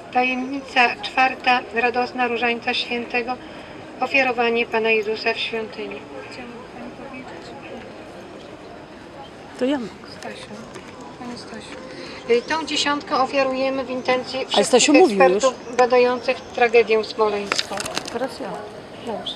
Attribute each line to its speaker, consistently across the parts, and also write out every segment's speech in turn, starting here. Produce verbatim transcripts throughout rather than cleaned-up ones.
Speaker 1: Tajemnica czwarta, radosna Różańca Świętego, ofiarowanie Pana Jezusa w świątyni. Chciałam Pani powiedzieć?
Speaker 2: To ja mogę.
Speaker 1: Stasiu, Pani Stasiu. Tą dziesiątkę ofiarujemy w intencji
Speaker 2: Ale Stasiu
Speaker 1: wszystkich
Speaker 2: mówił
Speaker 1: ekspertów badających tragedię smoleńską.
Speaker 2: Teraz ja.
Speaker 1: Dobrze.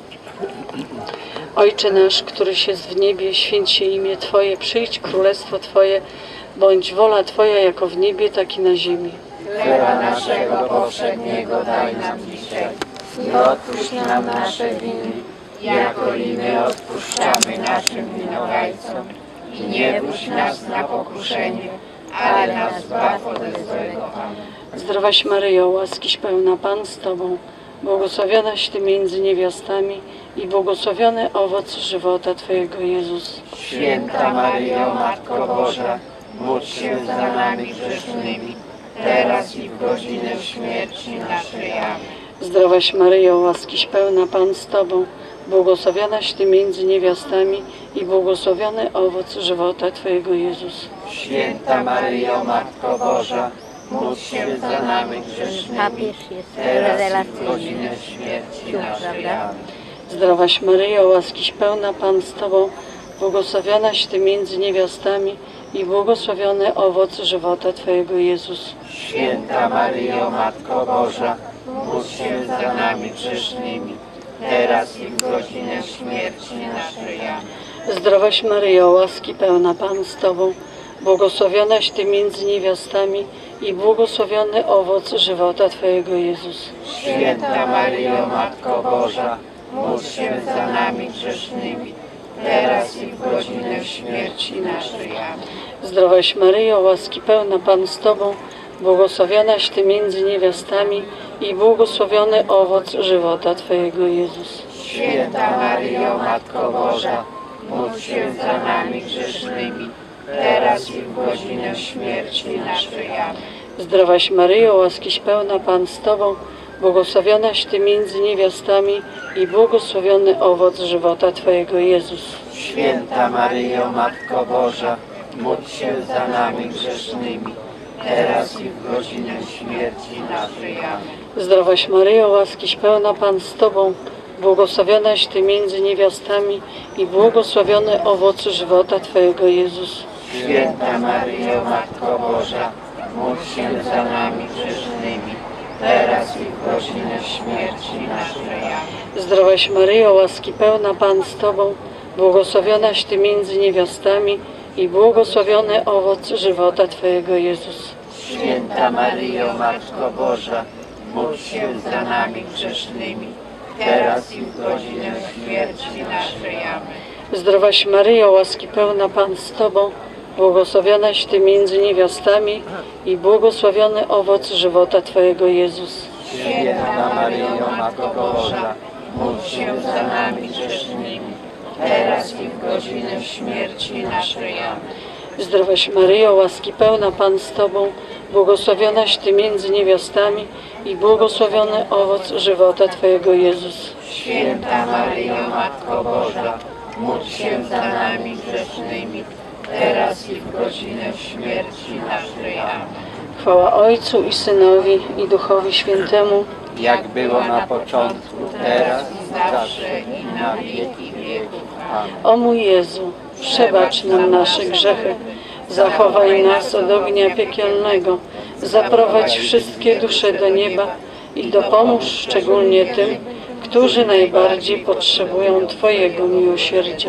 Speaker 2: Ojcze nasz, któryś jest w niebie, święć się imię Twoje, przyjdź królestwo Twoje, bądź wola Twoja jako w niebie, tak i na ziemi.
Speaker 3: Chleba naszego powszedniego daj nam dzisiaj i odpuść nam nasze winy, jako i my odpuszczamy naszym winowajcom. I nie wódź nas na pokuszenie, ale nas zbaw ode złego. Amen.
Speaker 2: Zdrowaś Maryjo, łaskiś pełna Pan z Tobą, błogosławionaś Ty między niewiastami i błogosławiony owoc żywota Twojego, Jezus.
Speaker 3: Święta Maryjo, Matko Boża, módl się za nami grzesznymi, teraz i w godzinę śmierci naszej. Amen.
Speaker 2: Zdrowaś Maryjo, łaskiś pełna Pan z Tobą, błogosławionaś Ty między niewiastami i błogosławiony owoc żywota Twojego, Jezus.
Speaker 3: Święta Maryjo, Matko Boża, módl się za nami grzesznymi, teraz i w godzinę śmierci naszej. Amen.
Speaker 2: Zdrowaś Maryjo, łaskiś pełna Pan z Tobą, błogosławionaś Ty między niewiastami i błogosławiony owoc żywota Twojego, Jezus.
Speaker 3: Święta Maryjo, Matko Boża, módl się za nami grzesznymi, teraz i w godzinę śmierci naszej. Amen.
Speaker 2: Zdrowaś Maryjo, łaski pełna Pan z Tobą, błogosławionaś Ty między niewiastami i błogosławiony owoc żywota Twojego, Jezus.
Speaker 3: Święta Maryjo, Matko Boża, módl się za nami grzesznymi, teraz i w godzinę śmierci naszej. Amen.
Speaker 2: Zdrowaś Maryjo, łaski pełna Pan z Tobą, błogosławionaś Ty między niewiastami i błogosławiony owoc żywota Twojego, Jezus.
Speaker 3: Święta Maryjo, Matko Boża, módl się za nami grzesznymi, teraz i w godzinę śmierci naszej. Amen.
Speaker 2: Zdrowaś Maryjo, łaskiś pełna Pan z Tobą, błogosławionaś Ty między niewiastami i błogosławiony owoc żywota Twojego, Jezus.
Speaker 3: Święta Maryjo, Matko Boża, módl się za nami grzesznymi, teraz i w godzinę śmierci naszej. Amen.
Speaker 2: Zdrowaś Maryjo, łaskiś pełna Pan z Tobą, błogosławionaś Ty między niewiastami i błogosławiony owoc żywota Twojego, Jezus.
Speaker 3: Święta Maryjo, Matko Boża, módl się za nami grzesznymi, teraz i w godzinę śmierci naszej. Amen.
Speaker 2: Zdrowaś Maryjo, łaski pełna Pan z Tobą, błogosławionaś Ty między niewiastami i błogosławiony owoc żywota Twojego, Jezus.
Speaker 3: Święta Maryjo, Matko Boża, módl się za nami grzesznymi, teraz i w godzinę śmierci naszej. Amen.
Speaker 2: Zdrowaś Maryjo, łaski pełna Pan z Tobą, błogosławionaś Ty między niewiastami i błogosławiony owoc żywota Twojego, Jezus.
Speaker 3: Święta Maryjo, Matko Boża, módl się za nami grzesznymi, teraz i w godzinę śmierci naszej. Amen.
Speaker 2: Zdrowaś Maryjo, łaski pełna Pan z Tobą, błogosławionaś Ty między niewiastami i błogosławiony owoc żywota Twojego, Jezus.
Speaker 3: Święta Maryjo, Matko Boża, módl się za nami grzesznymi, teraz i w godzinę śmierci naszej. Amen.
Speaker 2: Chwała Ojcu i Synowi i Duchowi Świętemu,
Speaker 3: Jak było na początku, teraz i zawsze i na wieki wieków. Amen.
Speaker 2: o mój Jezu, przebacz nam nasze grzechy, zachowaj nas od ognia piekielnego, zaprowadź wszystkie dusze do nieba i dopomóż szczególnie tym, którzy najbardziej potrzebują Twojego miłosierdzia.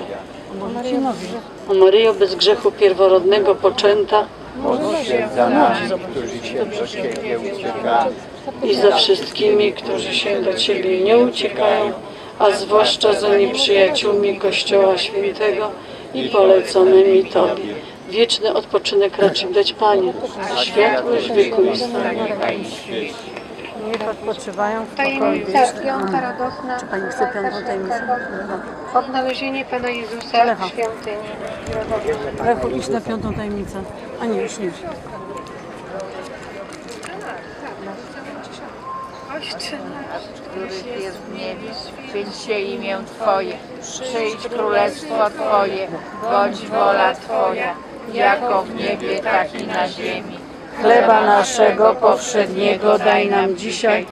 Speaker 2: O Maryjo, bez grzechu pierworodnego poczęta,
Speaker 3: Módl się za nami, którzy się do Ciebie uciekamy,
Speaker 2: i za wszystkimi, którzy się do Ciebie nie uciekają, a zwłaszcza za nieprzyjaciółmi Kościoła Świętego i poleconymi Tobie. Wieczny odpoczynek raczy dać Panie, a światłość wieku i stanie.
Speaker 4: Niech odpoczywają w pokoju.
Speaker 1: Tajemnica piąta, radosna
Speaker 2: Czy Pani chce piątą tajemnicę?
Speaker 1: odnalezienie Pana Jezusa
Speaker 4: Lecha.
Speaker 1: w świątyni.
Speaker 4: Lechu, idź na piątą tajemnicę. A nie, już nie.
Speaker 1: Ojcze nasz,
Speaker 5: których jest w niebie, święć się imię Twoje, przyjdź królestwo Twoje, bądź wola Twoja, jako w niebie, tak i na ziemi.
Speaker 2: Chleba naszego powszedniego daj nam dzisiaj